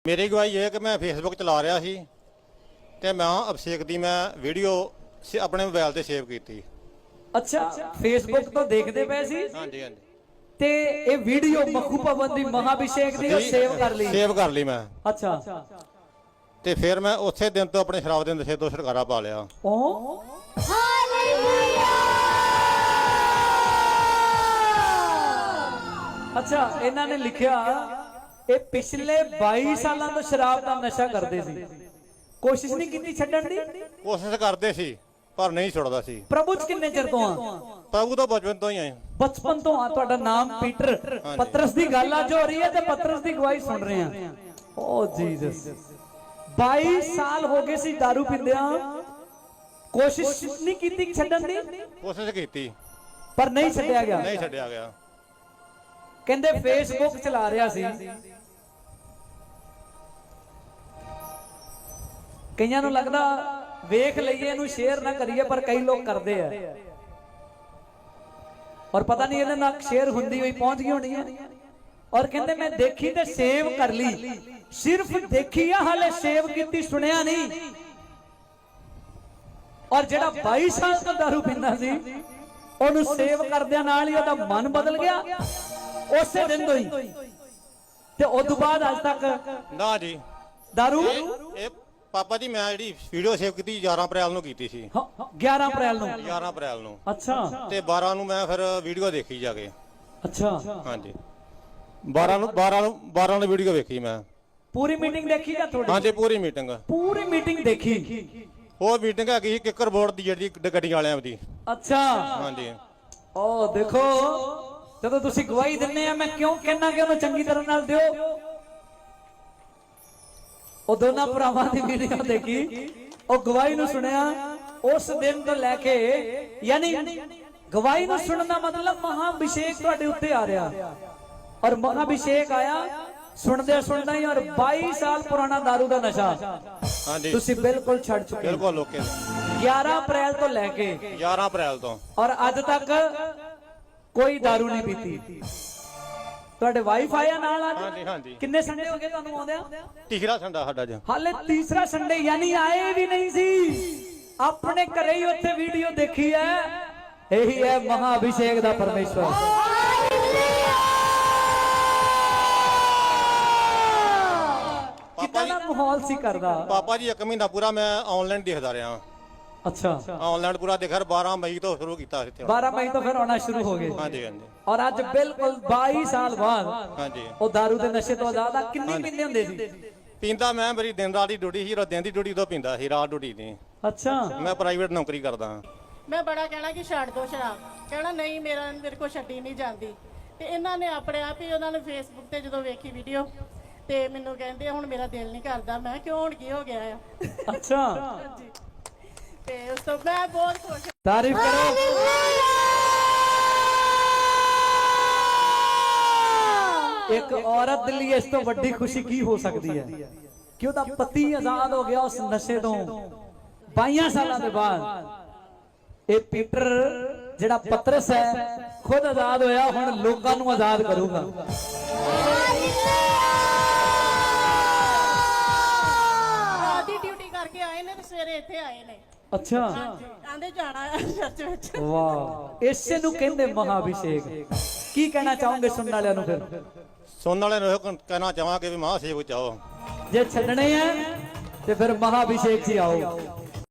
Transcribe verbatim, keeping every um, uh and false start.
मेरी गवाही है कि मैं फेसबुक चला रहा सी ते मैं अभिषेक दी मैं वीडियो अपने मोबाइल ते सेव की। अच्छा, फेसबुक तो देखते पे सी। हाँ जी हाँ जी। ते ये वीडियो मखू भवन दी महाअभिषेक दी सेव कर ली। सेव कर ली मैं। अच्छा। ते फिर मैं उसे दिन तो अपने शराब दे नशे तो छुटकारा पा लिया। ओ अच्छा, इन्हां ने लिखिया ਇਹ ਪਿਛਲੇ बाईस ਸਾਲਾਂ ਤੋਂ ਸ਼ਰਾਬ ਦਾ ਨਸ਼ਾ ਕਰਦੇ ਸੀ। ਕੋਸ਼ਿਸ਼ ਨਹੀਂ ਕੀਤੀ ਛੱਡਣ ਦੀ? ਕੋਸ਼ਿਸ਼ ਕਰਦੇ ਸੀ ਪਰ ਨਹੀਂ ਛੁੱਟਦਾ ਸੀ। ਪ੍ਰਭੂ ਚ ਕਿੰਨੇ ਚਿਰ ਤੋਂ ਆ? ਪ੍ਰਭੂ ਤਾਂ ਬਚਪਨ ਤੋਂ ਹੀ ਆਏ। ਬਚਪਨ ਤੋਂ ਆ। ਤੁਹਾਡਾ ਨਾਮ ਪੀਟਰ। ਪਤਰਸ ਦੀ ਗੱਲ ਅੱਜ ਹੋ ਰਹੀ ਹੈ ਤੇ ਪਤਰਸ ਦੀ ਗਵਾਹੀ ਸੁਣ ਰਹੇ ਆ। ਓ ਜੀਸਸ, बाईस ਸਾਲ ਹੋ ਗਏ ਸੀ दारू ਪੀਂਦਿਆਂ। ਕੋਸ਼ਿਸ਼ ਨਹੀਂ ਕੀਤੀ ਛੱਡਣ ਦੀ? ਕੋਸ਼ਿਸ਼ ਕੀਤੀ ਪਰ ਨਹੀਂ ਛੱਡਿਆ ਗਿਆ। ਨਹੀਂ ਛੱਡਿਆ ਗਿਆ। ਕਹਿੰਦੇ ਫੇਸਬੁੱਕ ਚਲਾ ਰਿਹਾ ਸੀ। ਕਈਆਂ ਨੂੰ ਲੱਗਦਾ ਵੇਖ ਲਈਏ ਇਹਨੂੰ ਸ਼ੇਅਰ ਨਾ ਕਰੀਏ, ਪਰ ਕਈ ਲੋਕ ਕਰਦੇ ਆ ਔਰ ਪਤਾ ਨਹੀਂ ਇਹਦੇ ਨਾਲ ਸ਼ੇਅਰ ਹੁੰਦੀ ਹੋਈ ਪਹੁੰਚ ਗਈ ਹੋਣੀ ਹੈ। ਔਰ ਕਹਿੰਦੇ ਮੈਂ ਦੇਖੀ ਤੇ ਸੇਵ ਕਰ ਲਈ। ਸਿਰਫ ਦੇਖੀ ਆ, ਹਾਲੇ ਸੇਵ ਕੀਤੀ ਸੁਣਿਆ ਨਹੀਂ। ਔਰ ਜਿਹੜਾ बाईस ਸਾਲ ਤੋਂ दारू ਪੀਂਦਾ ਸੀ ਉਹਨੂੰ ਸੇਵ ਕਰਦਿਆਂ ਨਾਲ ਹੀ ਉਹਦਾ ਮਨ ਬਦਲ ਗਿਆ ਉਸੇ ਦਿਨ ਤੋਂ ਹੀ। ਤੇ ਉਸ ਤੋਂ ਬਾਅਦ ਅੱਜ ਤੱਕ ਨਾ ਜੀ दारू। ਇਹ ਪਾਪਾ ਜੀ ਮੈਂ ਜਿਹੜੀ ਵੀਡੀਓ ਸੇਵ ਕੀਤੀ ਗਿਆਰਾਂ ਅਪ੍ਰੈਲ ਨੂੰ ਕੀਤੀ ਸੀ। ਗਿਆਰਾਂ ਅਪ੍ਰੈਲ ਨੂੰ? ਗਿਆਰਾਂ ਅਪ੍ਰੈਲ ਨੂੰ। ਅੱਛਾ। ਤੇ ਬਾਰਾਂ ਨੂੰ ਮੈਂ ਫਿਰ ਵੀਡੀਓ ਦੇਖੀ ਜਾ ਕੇ। ਅੱਛਾ। ਹਾਂਜੀ, ਬਾਰਾਂ ਨੂੰ ਬਾਰਾਂ ਨੂੰ ਬਾਰਾਂ ਨੂੰ ਵੀਡੀਓ ਵੇਖੀ ਮੈਂ। ਪੂਰੀ ਮੀਟਿੰਗ ਦੇਖੀ ਜਾਂ ਥੋੜੀ? ਹਾਂਜੀ ਪੂਰੀ ਮੀਟਿੰਗ। ਪੂਰੀ ਮੀਟਿੰਗ ਦੇਖੀ। ਉਹ ਮੀਟਿੰਗ ਹੈਗੀ ਸੀ ਕਿੱਕਰ ਬੋਰਡ ਦੀ ਜਿਹੜੀ ਗੱਡੀ ਵਾਲਿਆਂ ਦੀ। ਅੱਛਾ। ਹਾਂਜੀ। ਉਹ ਦੇਖੋ, ਜਦੋਂ ਤੁਸੀਂ ਗਵਾਹੀ ਦਿੰਨੇ ਆ ਮੈਂ ਕਿਉਂ ਕਹਿਣਾ ਕਿ ਉਹਨੂੰ ਚੰਗੀ ਤਰ੍ਹਾਂ ਨਾਲ ਦਿਓ। ਉਹ ਦੋਨਾਂ ਭਰਾਵਾਂ ਦੀ ਵੀਡੀਓ ਦੇਖੀ, ਉਹ ਗਵਾਹੀ ਨੂੰ ਸੁਣਿਆ। ਉਸ ਦਿਨ ਤੋਂ ਲੈ ਕੇ ਯਾਨੀ ਗਵਾਹੀ ਨੂੰ ਸੁਣਨ ਦਾ ਮਤਲਬ ਮਹਾਅਭਿਸ਼ੇਕ ਤੁਹਾਡੇ ਉੱਤੇ ਆ ਰਿਹਾ। ਔਰ ਮਹਾਅਭਿਸ਼ੇਕ ਆਇਆ ਸੁਣਦੇ ਸੁਣਦਾ ਹੀ। ਔਰ बाईस ਸਾਲ ਪੁਰਾਣਾ दारू ਦਾ ਨਸ਼ਾ ਹਾਂਜੀ ਤੁਸੀਂ ਬਿਲਕੁਲ ਛੱਡ ਚੁੱਕੇ। ਬਿਲਕੁਲ ਓਕੇ। ਗਿਆਰਾਂ ਅਪ੍ਰੈਲ ਤੋਂ ਲੈ ਕੇ ਗਿਆਰਾਂ ਅਪ੍ਰੈਲ ਤੋਂ ਔਰ ਅੱਜ ਤੱਕ ਕੋਈ दारू ਨਹੀਂ ਪੀਤੀ। ਤੁਹਾਡੇ ਵਾਈਫ ਆਇਆ ਨਾਲ ਅੱਜ? ਹਾਂਜੀ ਹਾਂਜੀ। ਕਿੰਨੇ ਸੰਡੇ ਹੋ ਗਏ ਤੁਹਾਨੂੰ ਆਉਂਦਿਆਂ? ਤੀਸਰਾ ਸੰਡਾ ਸਾਡਾ ਅੱਜ। ਹਾਲੇ ਤੀਸਰਾ ਸੰਡੇ, ਯਾਨੀ ਆਏ ਵੀ ਨਹੀਂ ਸੀ। ਆਪਣੇ ਘਰੇ ਹੀ ਉੱਥੇ ਵੀਡੀਓ ਦੇਖੀ ਹੈ। ਇਹੀ ਹੈ ਮਹਾਅਭਿਸ਼ੇਕ ਦਾ ਪਰਮੇਸ਼ਵਰ। ਕਿੰਨਾ ਦਾ ਮਾਹੌਲ ਸੀ ਕਰਦਾ? ਪਾਪਾ ਜੀ ਇੱਕ ਮਹੀਨਾ ਪੂਰਾ ਮੈਂ ਆਨਲਾਈਨ ਦੇਖਦਾ ਰਿਹਾ। ਅੱਛਾ। ਆਨਲਾਈਨ ਪੂਰਾ ਦੇਖਿਆ। ਬਾਰਾਂ ਮਈ ਤੋਂ ਸ਼ੁਰੂ ਕੀਤਾ ਇੱਥੇ। ਬਾਰਾਂ ਮਈ ਤੋਂ ਫਿਰ ਆਉਣਾ ਸ਼ੁਰੂ ਹੋ ਗਏ। ਹਾਂਜੀ ਹਾਂਜੀ। ਔਰ ਅੱਜ ਬਿਲਕੁਲ बाईस ਸਾਲ ਬਾਅਦ ਹਾਂਜੀ ਉਹ दारू ਦੇ ਨਸ਼ੇ ਤੋਂ ਆਜ਼ਾਦ ਆ। ਕਿੰਨੀ ਪੀਂਦੇ ਹੁੰਦੇ ਸੀ? ਪੀਂਦਾ ਮੈਂ, ਮੇਰੀ ਦਿਨ ਰਾਤ ਦੀ ਡਿਊਟੀ ਸੀ। ਦਿਨ ਦੀ ਡਿਊਟੀ ਤੋਂ ਪੀਂਦਾ ਸੀ, ਰਾਤ ਡਿਊਟੀ ਨਹੀਂ। ਅੱਛਾ। ਮੈਂ ਪ੍ਰਾਈਵੇਟ ਨੌਕਰੀ ਕਰਦਾ ਹਾਂ। ਮੈਂ ਬੜਾ ਕਹਿਣਾ ਕਿ ਛੱਡ ਦੋ ਸ਼ਰਾਬ, ਕਹਿਣਾ ਨਹੀਂ ਮੇਰਾ ਮੇਰੇ ਕੋਲ ਛੱਡੀ ਨਹੀਂ ਜਾਂਦੀ। ਤੇ ਇਹਨਾਂ ਨੇ ਆਪਣੇ ਆਪ ਹੀ ਉਹਨਾਂ ਨੇ ਫੇਸਬੁੱਕ ਤੇ ਜਦੋਂ ਵੇਖੀ ਵੀਡੀਓ ਤੇ ਮੈਨੂੰ ਕਹਿੰਦੇ ਹੁਣ ਮੇਰਾ ਦਿਲ ਨਹੀਂ ਕਰਦਾ। ਮੈਂ ਕਿਉਂ ਹੁਣ ਕੀ ਹੋ ਗਿਆ ਆ? ਅੱਛਾ। ਹਾਂਜੀ। ਤੇ ਉਸ ਤੋਂ ਮੈਂ ਬਹੁਤ ਖੁਸ਼। ਤਾਰੀਫ ਕਰੋ। ਇੱਕ ਔਰਤ ਦੇ ਲਈ ਇਸ ਤੋਂ ਵੱਡੀ ਖੁਸ਼ੀ ਕੀ ਹੋ ਸਕਦੀ ਹੈ ਕਿ ਉਹਦਾ ਪਤੀ ਆਜ਼ਾਦ ਹੋ ਗਿਆ ਉਸ ਨਸ਼ੇ ਤੋਂ बाईस ਸਾਲਾਂ ਦੇ ਬਾਅਦ। ਇਹ ਪੀਟਰ ਜਿਹੜਾ ਪਤਰਸ ਹੈ ਖੁਦ ਆਜ਼ਾਦ ਹੋਇਆ, ਹੁਣ ਲੋਕਾਂ ਨੂੰ ਆਜ਼ਾਦ ਕਰੂਗਾ। ਰਾਤ ਦੀ ਡਿਊਟੀ ਕਰਕੇ ਆਏ ਨੇ ਤੇ ਸਵੇਰੇ ਇੱਥੇ ਆਏ ਨੇ। ਅੱਛਾ। ਆਂਦੇ ਜਾਣਾ ਚਰਚ ਵਿੱਚ। ਵਾਹ, ਇਸੇ ਨੂੰ ਕਹਿੰਦੇ ਮਹਾਅਭਿਸ਼ੇਕ। ਕੀ ਕਹਿਣਾ ਚਾਹੋਗੇ ਸੁਣਨ ਵਾਲਿਆਂ ਨੂੰ? ਫਿਰ ਸੁਣਨ ਵਾਲਿਆਂ ਨੂੰ ਇਹ ਕਹਿਣਾ ਚਾਹਾਂਗੇ ਵੀ ਮਹਾਅਭਿਸ਼ੇਕ ਚਾਹੋ। ਜੇ ਛੱਡਣੇ ਆ ਤੇ ਫਿਰ ਮਹਾਅਭਿਸ਼ੇਕ 'ਚ ਆਓ।